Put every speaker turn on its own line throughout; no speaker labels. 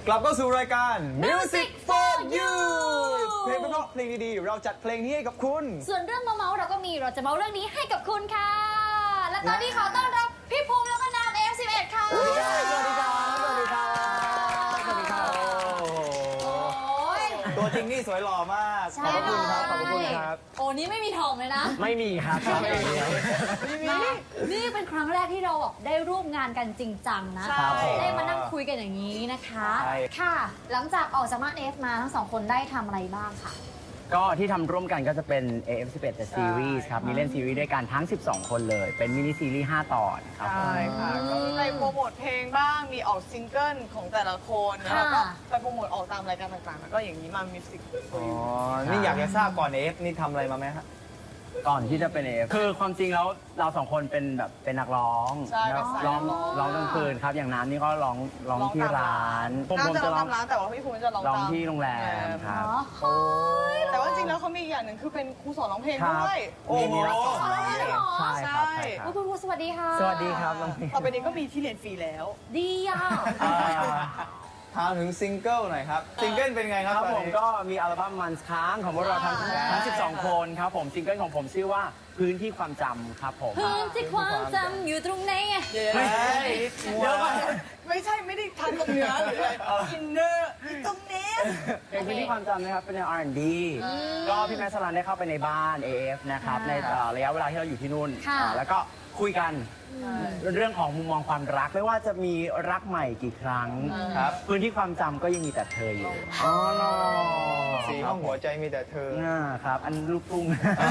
กลับเข้าสู่รายการ Music for You เพลงเพราะเพลงดีๆเราจัดเพลงนี้ให้กับคุณ
ส่วนเรื่องเมาเราก็มีเราจะเมาเรื่องนี้ให้กับคุณค่ะและตอนนี้ขอต้อนรับพี่ภูมิแล้วก็น้ำ F11 ค่ะ
สวัสดีครับสวัสดีครับสวัสดีครับสวัสดีครับตัวจริงนี่สวยหล่อมากขอบคุณครับขอบคุณครับ
โอ้นี่ไม่มีทองเลยนะ
ไม่มีครับไม่มี
นี่เป็นครั้งแรกที่เราได้ร่วมงานกันจริงจังนะได้มานั่งคุยกันอย่างนี้นะคะค่ะหลังจากออกจากมา F มาทั้งสองคนได้ทำอะไรบ้างค่ะ
ก็ที่ทำร่วมกันก็จะเป็น AF11 The Series ครับมีเล่นซีรีส์ด้วยกันทั้ง12คนเลยเป็นมินิซีรีส์5ตอนครับ
ใช่ค่ะก็ไปโปรโมทเพลงบ้างมีออกซิงเกิลของแต่ละคนแล้วก็ไปโปรโมทออกตามรายการต่างๆแล้วก็อย่างนี้มามิวสิก
นี่อยากจะทราบก่อน AF นี่ทำอะไรมาไหมครับ
ก่อนที่จะเป็น AF คือความจริงแล้วเราสองคนเป็นแบบเป็นนักร้องร้องกลางคืนครับอย่างน้ำนี่ก็ร้องที่ร้าน
ผมจะร้องร้านแต่ว่าพี่ภูมิจะร้อง
ที่โรงแรมครับ
แต่ว่าจริงแล้วเขามีอย่างหนึ่งคือเป็นครูสอนร้องเพลงด้วย
โอ้โห
ใช่ครับ
คุณครูสวัสดีค่ะ
สวัสดีครับ
ต่อไปนี้ก็มีที่เรียนฟรีแล้ว
ดีอ่ะ
ถามถึงซิงเกิลหน่อยครับซิงเกิลเป็นไงครับ
ผมก็มีอัลบั้มมันค้างของพวกเราทั้ง12คนครับผมซิงเกิลของผมชื่อว่าพื้นที่ความจำครับผม
พื้นที่ความจำอยู่ตรงไหนไง
เดี๋ยวก่อนไม่ใช่ไม่ได้ทำตรงเนื้อหรืออะไรอินเนอร์ตรงนี้
เป็นพื้นที่ความจำนะครับเป็นแนว R&B ก็พี่แมสลันได้เข้าไปในบ้าน AF นะครับในระยะเวลาที่เราอยู่ที่นู่นแล้วก็คุยกันเรื่องของมุมมองความรักไม่ว่าจะมีรักใหม่กี่ครั้งครับพื้นที่ความจำก็ยังมีแต่เธออยู่
อ๋อสีห้องหัวใจมีแต่เธอ
ครับอันลูกทุ่ง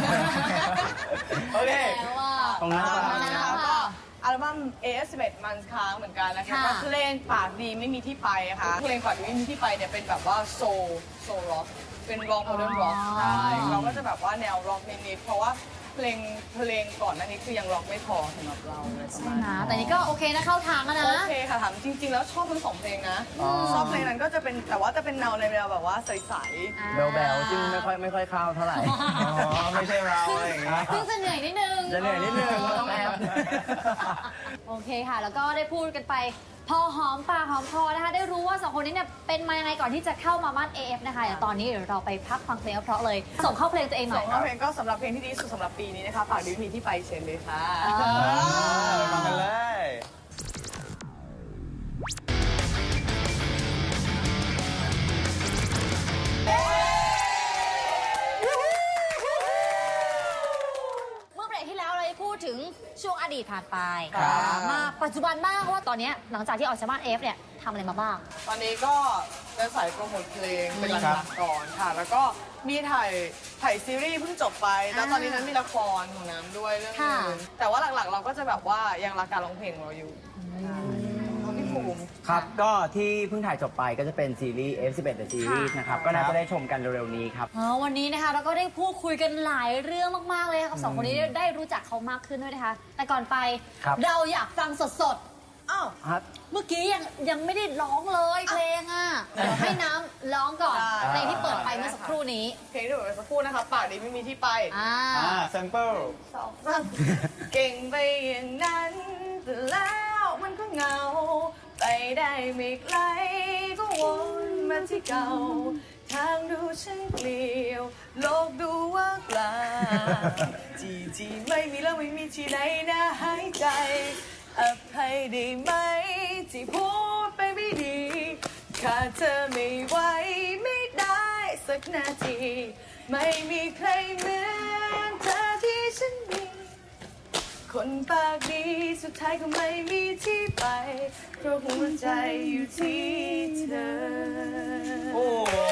โอเค
ตรงนั้น
ก็อัลบั้ม AF11 มันค้างเหมือนกันนะคะก็เพลงปากดีไม่มีที่ไปค่ะเพลงปากดีไม่มีที่ไปเนี่ยเป็นแบบว่าโซล็อกเป็นร็อกโมเดิร์นร็อกใช่เราก็จะแบบว่าแนวร็อกนิดๆเพราะว่าเพลงก่อนหน้านี้คือยังร็อกไม่พอสำหรับเราเลยประมาณ
แต่นี้ก็โอเคนะเข้าทางแล้วนะ
โอเคค่ะถามจริงๆแล้วชอบทั้งสองเพลงนะชอบเพลงนั้นก็จะเป็นแต่ว่าจะเป็นแนวในแนวแบบว่าใส
ๆแบลๆซึ่งไม่ค่อยเข้าเท่าไหร่
ไม่ใช่เราอะไรอย่างเงี้ย
ซึ่งจะเหนื่อยนิดนึง
ต้องแอบ
โอเคค่ะแล้วก็ได้พูดกันไปพอหอมปากหอมคอนะคะได้รู้ว่าสองคนนี้เนี่ยเป็นมายังไงก่อนที่จะเข้ามามั่น AF นะคะเดี๋ยวตอนนี้เราไปพักฟังเพลงเพราะเลยส่งเข้าเพลงตัวเองหน่อย
ส่งเข้าเพลงก็สำหรับเพลงที่ดีสุดสำหรับปีนี้นะคะฝากดิวมีที่ไปเชิญเลยค่ะ
ฟังกันเลย
ถึงช่วงอดีตผ่านไปมาปัจจุบันบ้างว่าตอนนี้หลังจากที่ออกจากบ้าน F เนี่ยทำอะไรมาบ้าง
ตอนนี้ก็จะใส่โปรโมทเพลงเป็นหลักๆก่อนค่ะแล้วก็มีถ่ายซีรีส์เพิ่งจบไปแล้วตอนนี้นั้นมีละครของน้ำด้วยเรื่องนึงแต่ว่าหลักๆเราก็จะแบบว่ายังรักการร้องเพลงเราอยู่
ครับก็ที่เพิ่งถ่ายจบไปก็จะเป็นซีรีส์ F11 The Series นะครับก็น่าจะได้ชมกันเร็วๆนี้ครับ
วันนี้นะคะเราก็ได้พูดคุยกันหลายเรื่องมากๆเลยกับสองคนนี้ได้รู้จักเขามากขึ้นด้วยนะคะแต่ก่อนไปเราอยากฟังสดๆอ้าวเมื่อกี้ยังไม่ได้ร้องเลยเพลงอ่ะให้น้ำร้องก่อนเพลงที่เปิดไปเมื่อสักครู่นี้
เพลงที่เปิดไปสักครู่นะคะปากดีไม่มีที่ไป
แซมเปิล
เก่งไปอย่างนั้นแต่แล้วมันก็เหงาไปได้ไม่ไกลก็วนมาที่เก่าทางดูฉันเปลี่ยวโลกดูว่างเปล่าจีไม่มีแล้วไม่มีที่ไหนน่าหายใจอภัยได้ไหมที่พูดไปไม่ดีขาดเธอไม่ไหวไม่ได้สักนาทีไม่มีใครเหมือนเธอที่ฉันมีคนปากดีสุดท้ายก็ไม่มีที่ไปเพราะหัวใจอยู่ที่เธอ
โอ้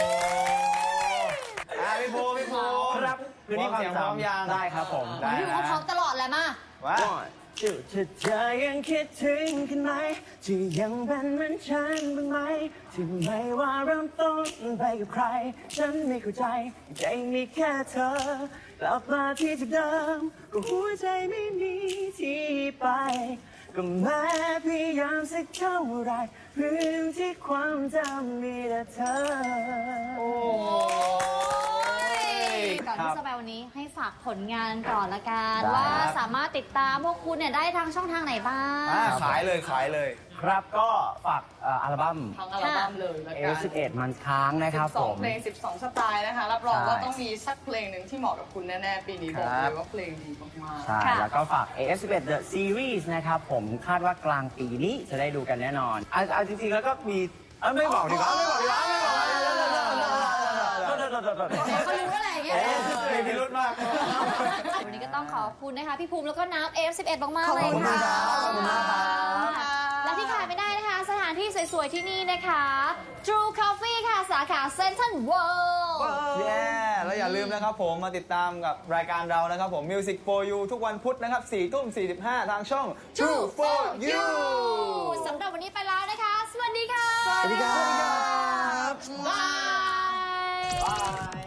พี่โพ
ครับคือนี่ความจำได้ครับผม
พี่เขาพร้อมตลอดแหละมา
ว่าถ้าเธอยังคิดถึงกันไหมที่ยังเป็นเหมือนฉันบ้างไหมที่ไม่ว่าเริ่มต้นไปกับใครฉันไม่เข้าใจใจมีแค่เธอกลับมาที่จุดเดิมก็หัวใจไม่มีที่ไปก็แม้พยายามสักเท่าไรพื้นที่ความจำมีแต่เธอ
ก่อนที่สบายวันนี้ให้ฝากผลงานก่อนละกัน
ได้
ว่าสามารถติดตามพวกคุณเนี่ยได้ทางช่องทางไหนบ้าง
ขายเลยขายเลย
ครับก็ฝากอัลบั้ม
ทั้งอัลบั้มเลยละกัน
L11 มันค้างนะครับผม
12 เพลง 12 สไตล์นะคะ รับรอง
ใช่
ว่าต้องมีสักเพลงหนึ่งที่เหมาะกับคุณแน่ๆ ปีนี้บอกเลยว่าเพลงดีมาก
ใช่
ค่ะ
แล้วก็ฝาก AF11 The Series นะครับผมคาดว่ากลางปีนี้จะได้ดูกันแน่นอนเอาจริงๆ แล้วก็มีไม่บอกดีกว่าไม่บอกดีกว่าไม่บอกดีกว่า
เขารู้อะไรอย่างเงี้ย
มีพิรุธมาก
วันนี้ก็ต้องขอบคุณนะคะพี่ภูมิแล้วก็น้ำ F11 มากๆเลยค่ะ
ขอบคุณมากครับ
และที่ขาดไม่ได้นะคะ สถานที่สวยๆที่นี่นะคะ True Coffee ค่ะ สาขา Central World
แย่แล้วอย่าลืมนะครับผมมาติดตามกับรายการเรานะครับผม Music for You ทุกวันพุธนะครับ 4:45 ทางช่อง True for You
สำหรับวันนี้ไปแล้วนะคะ สวัสดีค่ะ
สวัสดีครับ
บาย
บาย